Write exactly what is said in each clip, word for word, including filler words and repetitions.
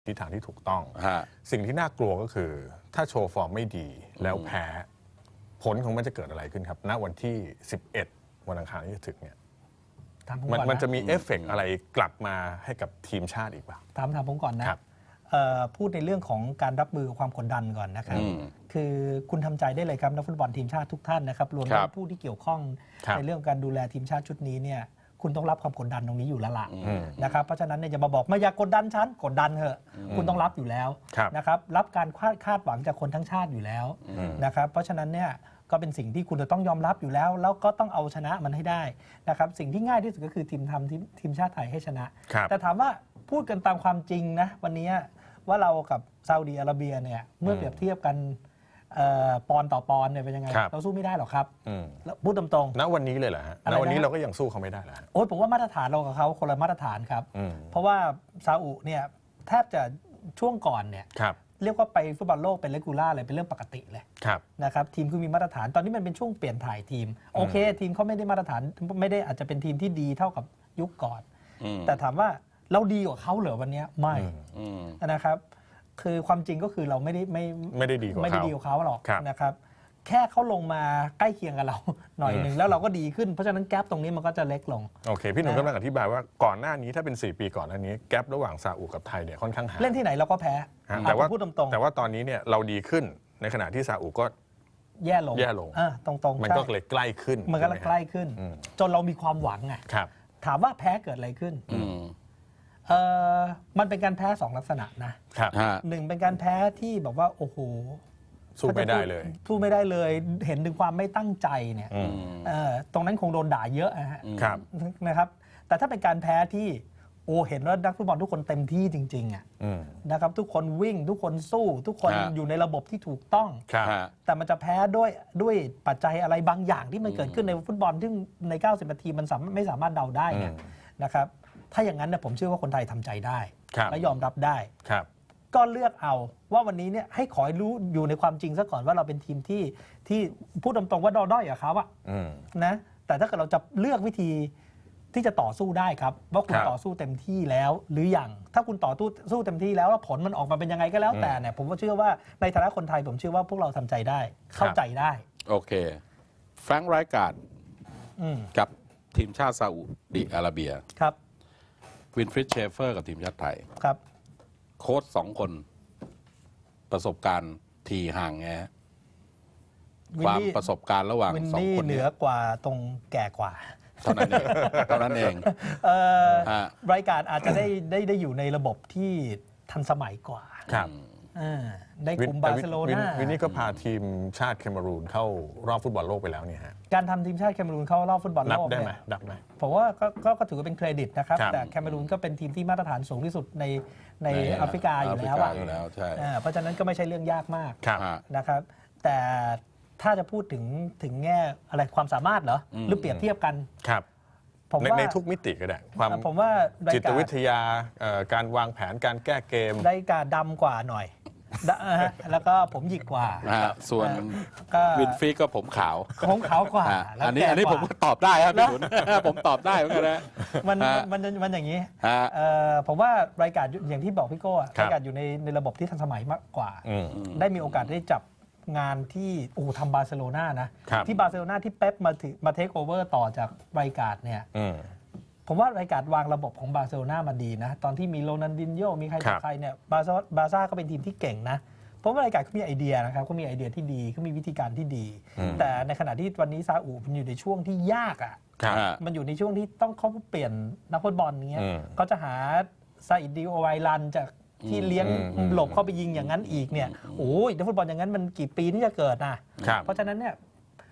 ทิศทางที่ถูกต้องสิ่งที่น่ากลัวก็คือถ้าโชว์ฟอร์มไม่ดีแล้วแพ้ผลของมันจะเกิดอะไรขึ้นครับณวันที่สิบเอ็ดวันอังคารที่จะถึงเนี่ยมันมันจะมีเอฟเฟกต์อะไรกลับมาให้กับทีมชาติอีกบ้างถามถามผมก่อนนะพูดในเรื่องของการรับมือกับความกดดันก่อนนะครับคือคุณทำใจได้เลยครับนักฟุตบอลทีมชาติทุกท่านนะครับรวมทั้งผู้ที่เกี่ยวข้องในเรื่องการดูแลทีมชาติชุดนี้เนี่ยคุณต้องรับความกดดันตรงนี้อยู่แล้วล่ะนะครับเพราะฉะนั้นเนี่ยจะมาบอกไม่อยากกดดันฉันกดดันเถอะคุณต้องรับอยู่แล้วนะครับรับการคาดหวังจากคนทั้งชาติอยู่แล้วนะครับเพราะฉะนั้นเนี่ยก็เป็นสิ่งที่คุณจะต้องยอมรับอยู่แล้วแล้วก็ต้องเอาชนะมันให้ได้นะครับสิ่งที่ง่ายที่สุดก็คือทีมทำทีมชาติไทยให้ชนะแต่ถามว่าพูดกันตามความจริงนะวันนี้ว่าเรากับซาอุดีอาระเบียเนี่ยเมื่อเปรียบเทียบกันปอนต่อปอนเนี่ยเป็นยังไงเราสู้ไม่ได้หรอกครับพูดตรงๆณวันนี้เลยเหรอฮะณวันนี้เราก็ยังสู้เขาไม่ได้เหรอโอ้ยผมว่ามาตรฐานเรากับเขาคนละมาตรฐานครับเพราะว่าซาอุเนี่ยแทบจะช่วงก่อนเนี่ยเรียกว่าไปฟุตบอลโลกเป็นเรกูล่าเลยเป็นเรื่องปกติเลยนะครับทีมคือมีมาตรฐานตอนนี้มันเป็นช่วงเปลี่ยนถ่ายทีมโอเคทีมเขาไม่ได้มาตรฐานไม่ได้อาจจะเป็นทีมที่ดีเท่ากับยุคก่อนแต่ถามว่าเราดีกว่าเขาเหรอวันนี้ไม่นะครับคือความจริงก็คือเราไม่ได้ไม่ไม่ได้ดีกว่าเขาไม่ได้ดีกว่าเขาหรอกนะครับแค่เขาลงมาใกล้เคียงกับเราหน่อยหนึ่งแล้วเราก็ดีขึ้นเพราะฉะนั้นแกลบตรงนี้มันก็จะเล็กลงโอเคพี่หนุ่มกำลังอธิบายว่าก่อนหน้านี้ถ้าเป็นสี่ปีก่อนหน้านี้แกลบระหว่างซาอุกับไทยเนี่ยค่อนข้างห่างเล่นที่ไหนเราก็แพ้แต่ว่าพูดตรงๆแต่ว่าตอนนี้เนี่ยเราดีขึ้นในขณะที่ซาอุก็แย่ลงแย่ลงตรงๆมันก็เลยใกล้ขึ้นมันก็ใกล้ขึ้นจนเรามีความหวังไงถามว่าแพ้เกิดอะไรขึ้นเออมันเป็นการแพ้สองลักษณะนะครับหนึ่งเป็นการแพ้ที่บอกว่าโอ้โหสู้ไม่ได้เลยสู้ไม่ได้เลยเห็นถึงความไม่ตั้งใจเนี่ยตรงนั้นคงโดนด่าเยอะนะครับแต่ถ้าเป็นการแพ้ที่โอ้เห็นว่านักฟุตบอลทุกคนเต็มที่จริงๆอ่ะนะครับทุกคนวิ่งทุกคนสู้ทุกคนอยู่ในระบบที่ถูกต้องแต่มันจะแพ้ด้วยด้วยปัจจัยอะไรบางอย่างที่มันเกิดขึ้นในฟุตบอลที่ในเก้าสิบนาทีมันไม่สามารถเดาได้เนี่ยนะครับถ้าอย่างนั้นเนี่ยผมเชื่อว่าคนไทยทำใจได้และยอมรับได้ก็เลือกเอาว่าวันนี้เนี่ยให้ขอให้รู้อยู่ในความจริงซะก่อนว่าเราเป็นทีมที่ที่พูดตรงๆว่าดอด้อยกับเขาอะนะแต่ถ้าเกิดเราจะเลือกวิธีที่จะต่อสู้ได้ครับว่าคุณต่อสู้เต็มที่แล้วหรือยังถ้าคุณต่อสู้เต็มที่แล้วแล้วผลมันออกมาเป็นยังไงก็แล้วแต่เนี่ยผมก็เชื่อว่าในฐานะคนไทยผมเชื่อว่าพวกเราทำใจได้เข้าใจได้โอเคแฟรงค์ไรการ์ดกับทีมชาติซาอุดิอาระเบียครับวินฟริดเชฟเฟอร์กับทีมชาติไทยครับโค้ชสองคนประสบการณ์ทีห่างไงความประสบการณ์ระหว่างสองคนเหนือกว่าตรงแก่กว่าเท่านั้นเองเท่านั้นเองรายการอาจจะได้ได้ได้อยู่ในระบบที่ทันสมัยกว่าครับได้คุมบาร์เซโลนาวินนี่ก็พาทีมชาติแคเมรูนเข้ารอบฟุตบอลโลกไปแล้วเนี่ยฮะการทำทีมชาติแคเมรูนเข้ารอบฟุตบอลโลกได้ไหมดับไหมผมว่าก็ก็ถือว่าเป็นเครดิตนะครับแต่แคเมรูนก็เป็นทีมที่มาตรฐานสูงที่สุดในในแอฟริกาอยู่แล้วอ่ะเพราะฉะนั้นก็ไม่ใช่เรื่องยากมากนะครับแต่ถ้าจะพูดถึงถึงแง่อะไรความสามารถเหรอหรือเปรียบเทียบกันครับผมว่าในทุกมิติก็ได้ความผมว่าจิตวิทยาการวางแผนการแก้เกมได้การดำกว่าหน่อยแล้วก็ผมหยิกกว่าส่วนวินฟรีก็ผมขาวผมขาวกว่าอันนี้อันนี้ผมก็ตอบได้ครับพี่หนุนผมตอบได้เหมือนกันนะมันมันมันอย่างนี้ผมว่ารายการอย่างที่บอกพี่โก้รายการอยู่ในในระบบที่ทันสมัยมากกว่าได้มีโอกาสได้จับงานที่โอ้ทำบาร์เซโลนานะที่บาร์เซโลนาที่เป๊ปมาถือมาเทคโอเวอร์ต่อจากรายการเนี่ยผมว่ารายการวางระบบของบาร์เซโลนามาดีนะตอนที่มีโรนัลดินโญ่มีใครต่อใครเนี่ยบาร์ซ่าบาร์ซ่าก็เป็นทีมที่เก่งนะเพราะว่ารายการเขามีไอเดียนะครับเขามีไอเดียที่ดีเขามีวิธีการที่ดีแต่ในขณะที่วันนี้ซาอุมันอยู่ในช่วงที่ยากอ่ะมันอยู่ในช่วงที่ต้องเขาเปลี่ยนนักฟุตบอลเงี้ยเขาจะหาซาอิดดิโอไวรันจากที่เลี้ยงหลบเข้าไปยิงอย่างนั้นอีกเนี่ยโอ้ยนักฟุตบอลอย่างนั้นมันกี่ปีที่จะเกิดนะเพราะฉะนั้นเนี่ย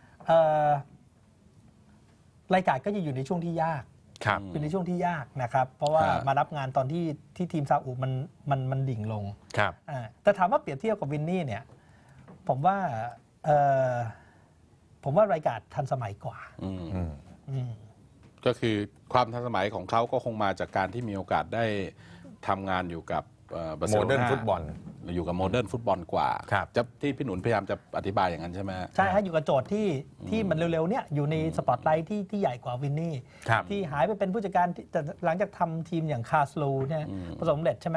รายการก็จะอยู่ในช่วงที่ยากอยู่ในช่วงที่ยากนะครับเพราะว่ามารับงานตอนที่ที่ทีมซาอุมันมันมันดิ่งลงแต่ถามว่าเปรียบเทียบกับวินนี่เนี่ยผมว่าผมว่ารายการทันสมัยกว่าก็คือความทันสมัยของเขาก็คงมาจากการที่มีโอกาสได้ทำงานอยู่กับโมเดิร์นฟุตบอลอยู่กับโมเดิร์นฟุตบอลกว่าจะที่พี่หนุนพยายามจะอธิบายอย่างนั้นใช่ไหมใช่ฮะอยู่กับโจทย์ที่ที่มันเร็วๆเนี่ยอยู่ในสปอตไลท์ที่ที่ใหญ่กว่าวินนี่ที่หายไปเป็นผู้จัดการแต่หลังจากทำทีมอย่างคาสโลเนี่ยประสบความสำเร็จใช่ไหม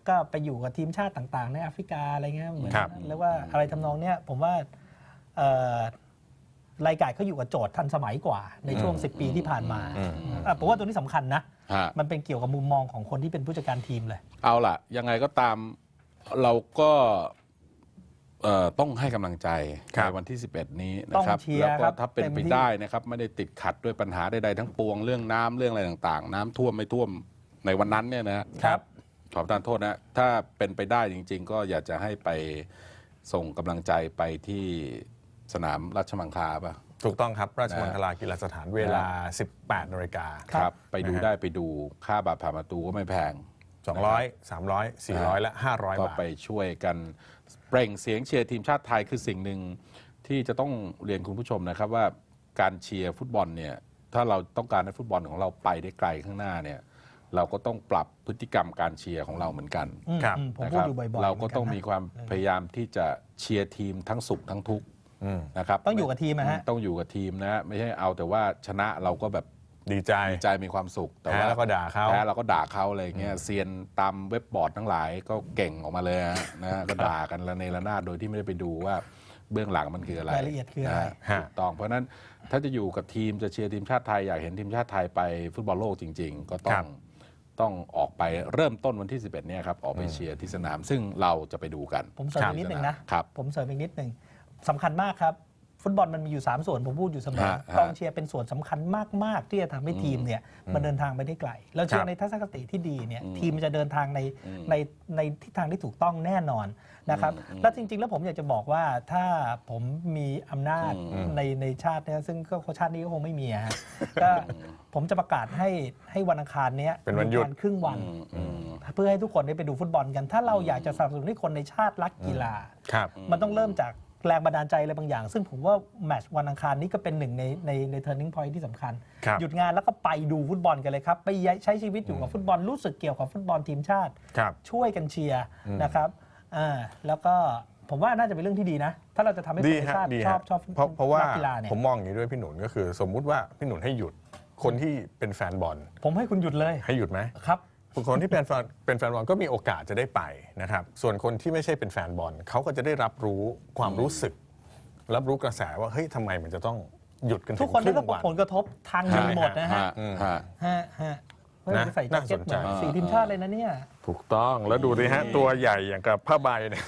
ก็ไปอยู่กับทีมชาติต่างๆในแอฟริกาอะไรเงี้ยเหมือนครับเรียกว่าอะไรทำนองเนี้ยผมว่าเอ่อรายการเขาอยู่กับโจทย์ทันสมัยกว่าในช่วงสิบปีที่ผ่านมาอ่ะผมว่าตัวนี้สำคัญนะฮะมันเป็นเกี่ยวกับมุมมองของคนที่เป็นผู้จัดการทีมเลยเอาล่ะ ยังไงก็ตามเราก็เอ่อต้องให้กำลังใจครับในวันที่ สิบเอ็ด นี้ต้นะองครับเชียร์แล้วคก็รับถ้าเป็นเต็มไปที่ได้นะครับ ไม่ได้ติดขัดด้วยปัญหาใดๆทั้งปวงเรื่องน้ำเรื่องอะไรต่างๆ น้ำท่วมไม่ท่วมในวันนั้นเนี่ยนะครับ ขอประทานโทษนะ ถ้าเป็นไปได้จริง ๆ ก็อยากจะให้ไปส่งกำลังใจไปที่สนามราชมังคลาป่ะถูกต้องครับราชมังคลากีฬาสถานเวลา สิบแปดนาฬิกาครับ ไปดูนะฮะได้ไปดูค่าบัตรผ่านประตูก็ไม่แพงสองร้อย สามร้อย สี่ร้อย และ ห้าร้อยก็บาทไปช่วยกันเปล่งเสียงเชียร์ทีมชาติไทยคือสิ่งหนึ่งที่จะต้องเรียนคุณผู้ชมนะครับว่าการเชียร์ฟุตบอลเนี่ยถ้าเราต้องการให้ฟุตบอลของเราไปได้ไกลข้างหน้าเนี่ยเราก็ต้องปรับพฤติกรรมการเชียร์ของเราเหมือนกันอืมครับอืมผมนะพูคดรับอยู่บ่อยๆเราก็หนนต้องนะมีความพยายามที่จะเชียร์ทีมทั้งสุขทั้งทุกข์อืมนะครับต้องอยู่กับทีมนะฮะต้องอยู่กับทีมนะไม่ใช่เอาแต่ว่าชนะเราก็แบบดีใจดีใจมีความสุขแต่แพ้ว่าแล้วก็ด่าเขาแพ้เราก็ด่าเขาอะไรอย่างเงี้ยเซียนตามเว็บบอร์ดทั้งหลายก็เก่งออกมาเลยฮะนะฮะก็ด่ากันระเนระนาดโดยที่ไม่ได้ไปดูว่าเบื้องหลังมันคืออะไรรายละเอียดคืออะไรนฮถูกต้องเพราะฉะนั้นถ้าจะอยู่กับทีมจะเชียร์ทีมชาติไทยอยากเห็นทีมชาติไทยไปฟุตบอลโลกจริง ๆ ก็ต้อครังบต้องออกไปเริ่มต้นวันที่ สิบเอ็ด เนี่ยครับออกไปเชียร์ที่สนาม ซึ่งเราจะไปดูกันผมเสริมอีกนิดหนึ่งนะครับผมเสริมอีกนิดหนึ่งสำคัญมากครับ ฟุตบอลมันมีอยู่ สาม ส่วน ผมพูดอยู่เสมอฮะฮะกองเชียร์เป็นส่วนสำคัญมาก ๆ ที่จะทำให้ทีมเนี่ยมันเดินทางไปได้ไกล เราเชื่คอรับในทัศนคติที่ดีเนี่ยทีมมันจะเดินทางในในในทิศทางที่ถูกต้องแน่นอนนะครับและจริง ๆ แล้วผมอยากจะบอกว่าถ้าผมมีอำนาจในในชาติเนี่ยซึ่งก็ชาตินี้ก็คงไม่มีอะฮะก็ผมจะประกาศให้ให้วันอังคารเนี้ยเป็นวันหยุดมีการครึ่งวัน เพื่อให้ทุกคนได้ไปดูฟุตบอลกัน ถ้าเราอยากจะสนับสนุนให้คนในชาติรักกีฬาครับมันต้องเริ่มจากแรงบันดาลใจอะไรบางอย่าง ซึ่งผมว่าแมตช์วันอังคารนี้ก็เป็นหนึ่งในในใน turning point ที่สำคัญครับหยุดงานแล้วก็ไปดูฟุตบอลกันเลยครับ ไปใช้ชีวิตอยู่กับฟุตบอลรู้สึกเกี่ยวกับฟุตบอลทีมชาติครับช่วยกันเชียร์นะครับอ่าแล้วก็ผมว่าน่าจะเป็นเรื่องที่ดีนะ ถ้าเราจะทำให้คดีนในฮะชาติดีชอฮะบชอบเพราะเพราะว่านักกีฬาเนี่ยผมมองอย่างนี้ด้วยพี่หนุนก็คือ สมมุติว่าพี่หนุนให้หยุดคนที่เป็นแฟนบอลผมให้คุณหยุดเลยให้หยุดไหมครับคนที่เป็นแฟนเป็นแฟนบอลก็มีโอกาสจะได้ไปนะครับส่วนคนที่ไม่ใช่เป็นแฟนบอลเขาก็จะได้รับรู้ความรู้สึก รับรู้กระแสว่าเฮ้ยทำไมมันจะต้องหยุดกันถึงทุกคนได้รับรึ่งวันผลกระทบทางหนึ่งหมดนะฮะฮะฮะฮะเฮ้ยนะใส่แจ็คเก็ตเหมือนน่าสนใจสีทีมชาติเลยนะเนี่ยถูกต้องแล้วดูดิฮะตัวใหญ่อย่างกับผ้าใบเนี่ย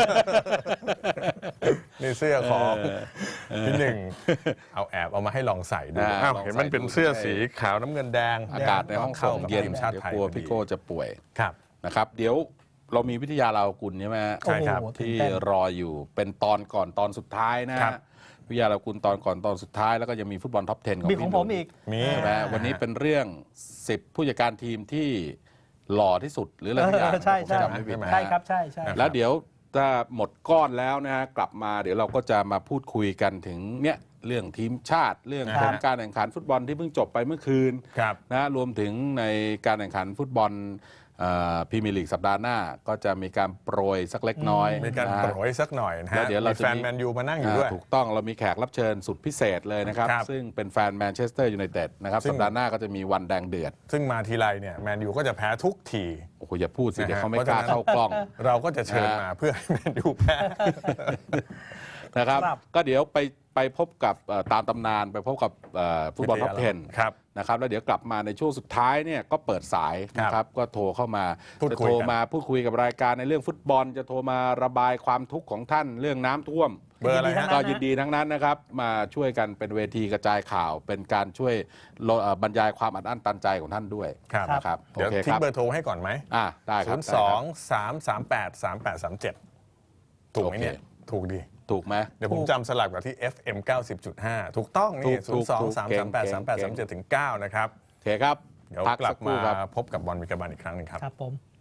นี่เสื้อของพี่หนึ่งเอาแอบเอามาให้ลองใส่ดูอ่าอ้าวลองใส่เห็นมันเป็นดูเสื้อใช่สีขาวน้ำเงินแดงอากาศในห้องส่งเย็นทีมชาติเดี๋ยวไทยกลัวพอดีพี่โก้จะป่วยครับนะครับ เดี๋ยวเรามีวิทยาเรากุลใช่ไหมฮะใช่ครับโอ้โหที่ตื่นเต้นรออยู่เป็นตอนก่อนตอนสุดท้ายนะฮะครับวิทยาเรากุลตอนก่อนตอนสุดท้ายแล้วก็ยังมีฟุตบอลท็อปสิบของมีของพี่หผนุ่มอีกมีใช่ไหมวันนี้เป็นเรื่องสิบผู้จัดการทีมที่หล่อที่สุดหรืออะไรสักอย่างเออใช่ใช่ผมจำไม่ผิดนะฮะใช่ครับใช่ใช่แล้วเดี๋ยวถ้าหมดก้อนแล้วนะฮะกลับมาเดี๋ยวเราก็จะมาพูดคุยกันถึงเนี่ยเรื่องทีมชาติ เรื่องครับผลการแข่งขันฟุตบอลที่เพิ่งจบไปเมื่อคืนครับนะรวมถึงในการแข่งขันฟุตบอลพรีเมียร์ลีกสัปดาห์หน้าก็จะมีการโปรยสักเล็กน้อยมีการนะฮะโปรยสักหน่อยนะแล้ฮะวเดี๋ยวเรามีจะแฟนมีแมนยูมานั่งอยู่ด้วยถูกต้องเรามีแขกรับเชิญสุดพิเศษเลยนะครับครับซึ่งเป็นแฟนแมนเชสเตอร์ยูไนเต็ดนะครับซึ่งสัปดาห์หน้าก็จะมีวันแดงเดือดซึ่งมาทีไรเนี่ยแมนยูก็จะแพ้ทุกทีโอ้โหอย่าพูดสินะฮะเดี๋ยวเขาไม่กล้าเข้ากล้องเราก็จะเชิญมาเพื่อให้แมนยูแพ้นะครับครับก็เดี๋ยวไปไปพบกับเอ่อตามตำนานไปพบกับเอ่อฟุตบอลท็อปสิบครับนะครับแล้วเดี๋ยวกลับมาในช่วงสุดท้ายเนี่ยก็เปิดสายนะครับก็โทรเข้ามาพูดจะคุยโทรกันมาพูดคุยกับรายการในเรื่องฟุตบอล จะโทรมาระบายความทุกข์ของท่านเรื่องน้ำท่วมเบอร์อะไรยินดีทั้ฮะงนั้นก็ยินดีทั้งนั้นนะครับมาช่วยกันเป็นเวทีกระจายข่าว เป็นการช่วยลดเอ่อบรรยายความอัดอั้นตันใจของท่านด้วยครับนะครับโอเดี๋ยวเคทิ้คงรับเบอร์โทรให้ก่อนไหมอ่าได้คศูรับนย์ได้สคอรังบสามสามแปดสามแปดสามเจ็ดถูกไหมเนี่ยโอเคถูกดีถูกไหมเดี๋ยวผมจำสลับกับที่ เอฟ เอ็ม เก้าสิบจุดห้า ถูกต้องถูนี่กศูถูนกย์สองถูกสามเก่สาง มแปดสามแปดเก่สามงเจ็ดถึงเก้านะครับโอเคครับเดี๋ยวพักลัสับครู่มาครับพบกับบอลวิกาบันอีกครั้งหนึ่งครับครับผม